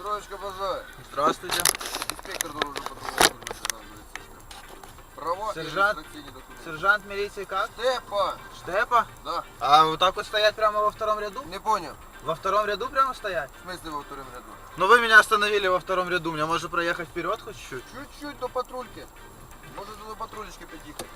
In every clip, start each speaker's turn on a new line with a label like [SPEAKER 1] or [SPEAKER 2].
[SPEAKER 1] Здравствуйте, бажаю.
[SPEAKER 2] Здравствуйте.
[SPEAKER 1] Инспектор дорожно-патрульной службы. Права и
[SPEAKER 2] Сержант.
[SPEAKER 1] регистрационные документы.
[SPEAKER 2] Сержант милиции как?
[SPEAKER 1] Степа!
[SPEAKER 2] Штепа?
[SPEAKER 1] Да.
[SPEAKER 2] А вот так вот стоять прямо во втором ряду?
[SPEAKER 1] Не понял.
[SPEAKER 2] Во втором ряду прямо стоять?
[SPEAKER 1] В смысле во втором ряду?
[SPEAKER 2] Ну вы меня остановили во втором ряду, мне можно проехать вперед хоть чуть-чуть?
[SPEAKER 1] Чуть-чуть до патрульки. Может до патрулечки подъехать.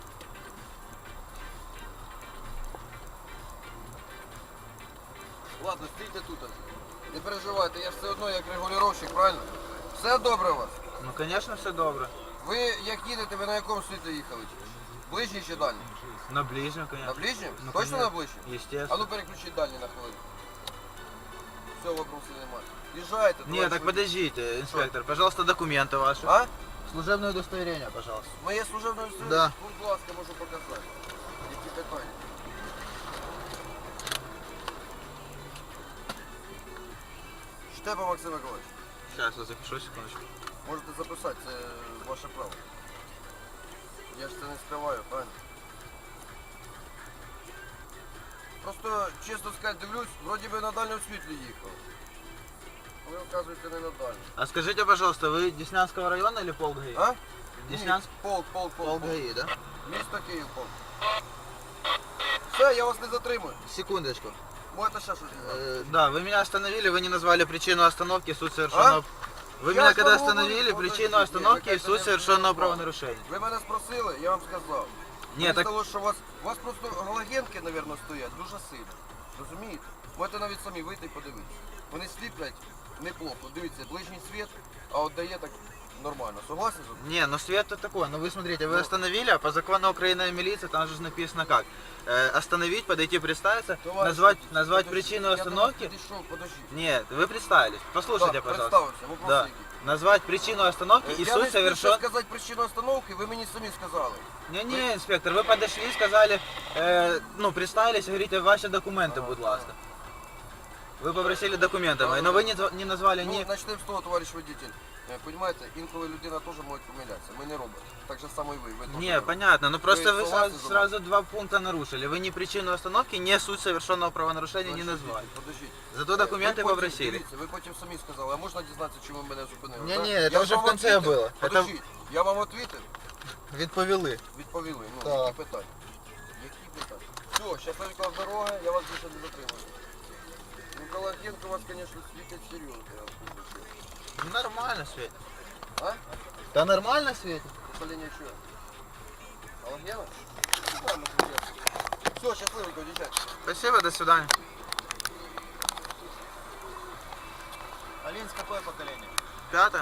[SPEAKER 1] Ладно, стійте тут. Не переживайте, я ж все одно як регулювальщик, правильно? Все добре у вас?
[SPEAKER 2] Ну конечно все добре.
[SPEAKER 1] Ви як їдете, ви на якому світі їхали? Ближній чи дальній?
[SPEAKER 2] На ближнем,
[SPEAKER 1] На
[SPEAKER 2] конечно.
[SPEAKER 1] ближнем?
[SPEAKER 2] Ну,
[SPEAKER 1] Точно
[SPEAKER 2] конечно.
[SPEAKER 1] на ближнем? А
[SPEAKER 2] Естественно.
[SPEAKER 1] ну переключіть дальній на хвилину. Все, вопросів немає. Їжджайте.
[SPEAKER 2] Не, так
[SPEAKER 1] товариш водій.
[SPEAKER 2] подождите, инспектор, пожалуйста, документы ваши.
[SPEAKER 1] А?
[SPEAKER 2] Служебное удостоверение, пожалуйста.
[SPEAKER 1] Моє служебне удостоверення?
[SPEAKER 2] Да.
[SPEAKER 1] Будь ласка, можу показати. Які питання? Штепа Максим Миколаївич.
[SPEAKER 2] Сейчас я запишу, секундочку.
[SPEAKER 1] Можете записати, це ваше право. Я ж це не скриваю, правильно? Просто, чесно сказати, дивлюсь, вроді би на дальньому світлі їхав. А ви, оказуєте, не на дальньому.
[SPEAKER 2] А скажите, пожалуйста, вы Деснянского района или полк ГАИ?
[SPEAKER 1] А?
[SPEAKER 2] Деснянск?
[SPEAKER 1] Полк.
[SPEAKER 2] Полк ГАИ, да?
[SPEAKER 1] Місто Київ, полк. Все, я вас не затримую.
[SPEAKER 2] Секундочку.
[SPEAKER 1] Можете ще щось сказати?
[SPEAKER 2] Да, вы меня остановили, вы не назвали причину остановки, суть совершенного... Вы
[SPEAKER 1] Я
[SPEAKER 2] меня
[SPEAKER 1] ж
[SPEAKER 2] когда
[SPEAKER 1] вам
[SPEAKER 2] остановили,
[SPEAKER 1] говорю,
[SPEAKER 2] причину
[SPEAKER 1] подождите,
[SPEAKER 2] остановки
[SPEAKER 1] вы
[SPEAKER 2] и
[SPEAKER 1] как-то
[SPEAKER 2] суть
[SPEAKER 1] не
[SPEAKER 2] совершенного
[SPEAKER 1] понимали.
[SPEAKER 2] правонарушения.
[SPEAKER 1] Ви мене спросили, я вам сказав.
[SPEAKER 2] Ні,
[SPEAKER 1] Мені
[SPEAKER 2] так-
[SPEAKER 1] здалося, що у вас просто галогенки, мабуть, стоять дуже сильно. Розумієте? Можете навіть самі вийти і подивитися. Вони сліплять неплохо. Дивіться, ближній світ, а от дає так нормально. Согласні з вами?
[SPEAKER 2] Не, ну свет-то такой, ну вы смотрите, вы
[SPEAKER 1] Ну.
[SPEAKER 2] остановили, а по закону Украины милиция, там же написано как? Остановить, подойти, представиться,
[SPEAKER 1] Товариш
[SPEAKER 2] назвать
[SPEAKER 1] водій,
[SPEAKER 2] назвать
[SPEAKER 1] подожди,
[SPEAKER 2] причину
[SPEAKER 1] я до вас
[SPEAKER 2] остановки.
[SPEAKER 1] підійшов, подождіть.
[SPEAKER 2] Нет, вы представились, послушайте,
[SPEAKER 1] Так,
[SPEAKER 2] пожалуйста.
[SPEAKER 1] представився, вопрос
[SPEAKER 2] Да.
[SPEAKER 1] який.
[SPEAKER 2] Назвать причину остановки и
[SPEAKER 1] Я
[SPEAKER 2] суть
[SPEAKER 1] не
[SPEAKER 2] совершен...
[SPEAKER 1] спішу сказати причину остановки, ви мені самі сказали.
[SPEAKER 2] Не, инспектор, вы подошли, сказали, ну, представились, говорите, ваши документы, будь ласка. Вы попросили документы мои, но вы не назвали
[SPEAKER 1] Ну,
[SPEAKER 2] ни...
[SPEAKER 1] почнемо з того, товариш водитель. Понимаете, інколи людина теж може помилятися. Ми не роботи. Так же само і ви. Ви теж
[SPEAKER 2] Не,
[SPEAKER 1] робот.
[SPEAKER 2] понятно, но просто вы
[SPEAKER 1] согласны со мной?
[SPEAKER 2] сразу два пункта нарушили. Вы ни причину остановки, ни суть совершенного правонарушения не
[SPEAKER 1] Товариш
[SPEAKER 2] назвали.
[SPEAKER 1] водитель, Подождіть.
[SPEAKER 2] Зато документы
[SPEAKER 1] Ви потім,
[SPEAKER 2] попросили.
[SPEAKER 1] Дивіться, ви потім самі сказали, а можна дізнатися, чому мене зупинили?
[SPEAKER 2] Ні,
[SPEAKER 1] так?
[SPEAKER 2] ні,
[SPEAKER 1] Я
[SPEAKER 2] це вже
[SPEAKER 1] вам
[SPEAKER 2] в кінці
[SPEAKER 1] відповів?
[SPEAKER 2] було.
[SPEAKER 1] Подождіть, я вам відповів?
[SPEAKER 2] Відповіли.
[SPEAKER 1] Відповіли. Ну,
[SPEAKER 2] Так.
[SPEAKER 1] які питання? Які питання? Все, щасливо дороги, я вас більше не затримую. Николаєнко у вас, звісно, світять серйозно. Я вам скажу.
[SPEAKER 2] Нормально светит.
[SPEAKER 1] А?
[SPEAKER 2] Да нормально светит.
[SPEAKER 1] Управління чого? Алгена? Все, щасливенько, дівчат.
[SPEAKER 2] Спасибо, до свидания.
[SPEAKER 1] Алинс, какое поколение?
[SPEAKER 2] 5.